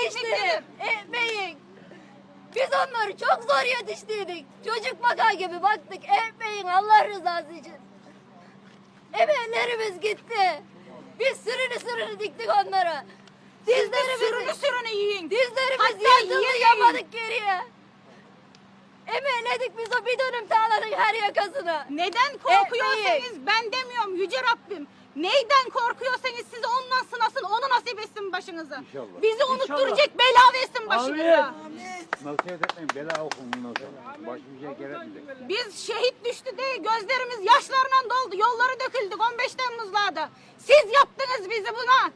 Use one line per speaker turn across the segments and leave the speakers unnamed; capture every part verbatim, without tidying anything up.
yetiştirip ekmeğin. Biz onları çok zor yetiştirdik. Çocuk bakar gibi baktık ekmeğin Allah rızası için. Emeklerimiz gitti. Biz sürünü sürünü diktik onlara. Dizlerimizi
Sürünü sürünü yiyin.
Dizlerimiz
Hatta
yırtıldı
yiyin.
yapmadık geriye. Emekledik biz o bir dönüm tarlanın her yakasını.
Neden korkuyorsanız
Ekmeği.
ben demiyorum Yüce Rabbim. Neyden korkuyorsanız sizi ondan sınasın, onu nasip etsin başınıza.
İnşallah.
Bizi unutturacak bela versin başınıza.
Nasihat etmeyin, bela okun bundan sonra. Başka bir şey gerekmeyecek.
Biz şehit düştü diye gözlerimiz yaşlarla doldu. Yolları döküldük on beş Temmuz'larda. Siz yaptınız bizi buna.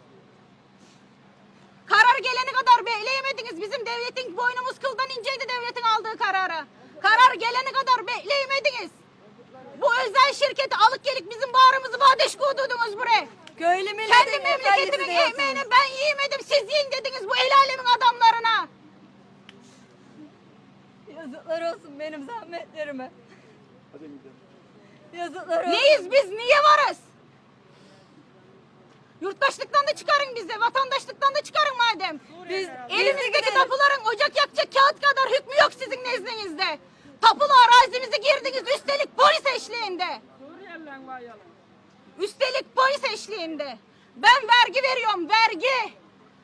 Karar gelene kadar bekleyemediniz. Bizim devletin boynumuz kıldan inceydi devletin aldığı karara. Karar gelene kadar bekleyemediniz. Bu özel şirketi alıp gelip bizim bağrımızı bağdaş kurdurdunuz buraya.
Köylü milletin
Kendi memleketimin ekmeğini ben yiyemedim. Siz yiyin dediniz bu el alemin adamlarına.
Yazıklar olsun benim zahmetlerime. Yazıklar olsun.
Neyiz biz? Niye varız? Yurttaşlıktan da çıkarın bizi. Vatandaşlıktan da çıkarın madem.
Biz
Elimizdeki tapuların ocak yakacak kağıt kadar hükmü yok sizin nezdinizde. Tapulu arazimize girdiniz üstelik polis eşliğinde. Üstelik polis eşliğinde. Ben vergi veriyorum, vergi.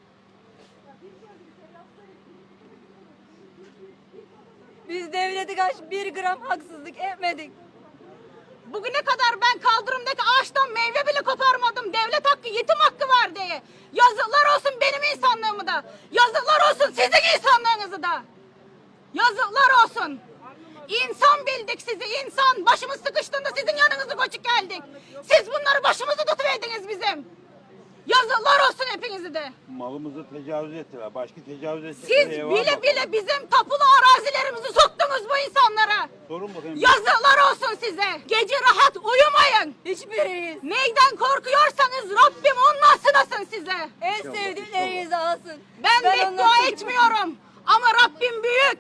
Biz devlete karşı bir gram haksızlık etmedik.
Bugüne kadar ben kaldırımdaki ağaçtan meyve bile koparmadım. Devlet hakkı, yetim hakkı var diye. Yazıklar olsun benim insanlığımı da. Yazıklar olsun sizin insanlığınızı da. Yazıklar olsun. İnsan bildik sizi, insan. Başımız sıkıştığında sizin yanınızı koçuk geldik. Siz bunları başımızı tutuverdiniz bizim. Yazıklar olsun hepinizi de.
Malımızı tecavüz ettiler. Başka tecavüz ettiler.
Siz bile bile bizim tapulu arazilerimizi soktunuz bu insanlara.
Sorun bakayım.
Yazıklar olsun size. Gece rahat uyumayın.
Hiçbiriyiz.
Neyden korkuyorsanız Rabbim ondan sınasın size.
En sevdiklerinizi alsın.
Ben,
Ben
beddua
ondan-
etmiyorum. Ama Rabbim büyük.